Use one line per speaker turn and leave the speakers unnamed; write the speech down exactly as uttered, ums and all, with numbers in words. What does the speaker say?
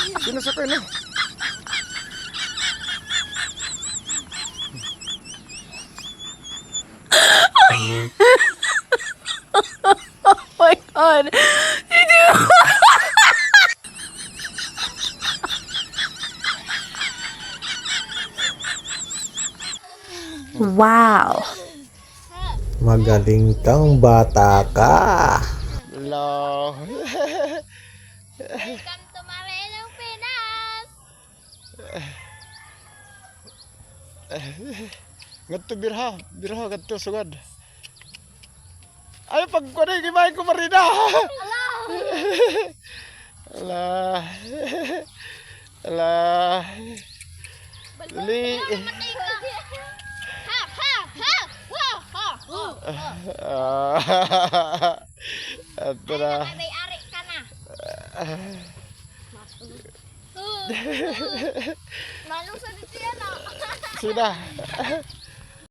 Sinusok ini.
Oh my god. Wow.
Magaling kang bata ka.
Hello.
Welcome to Marilong, Pinas.
Ngadto birha, birha ngadto sugad. Ay pag ko na gimay ko marina. Alah. Alah. Dali.
Ha ha ha ha ha.
Ah. Ato na.
May-ari ka na. Manong sa dito yan ah.
Sina.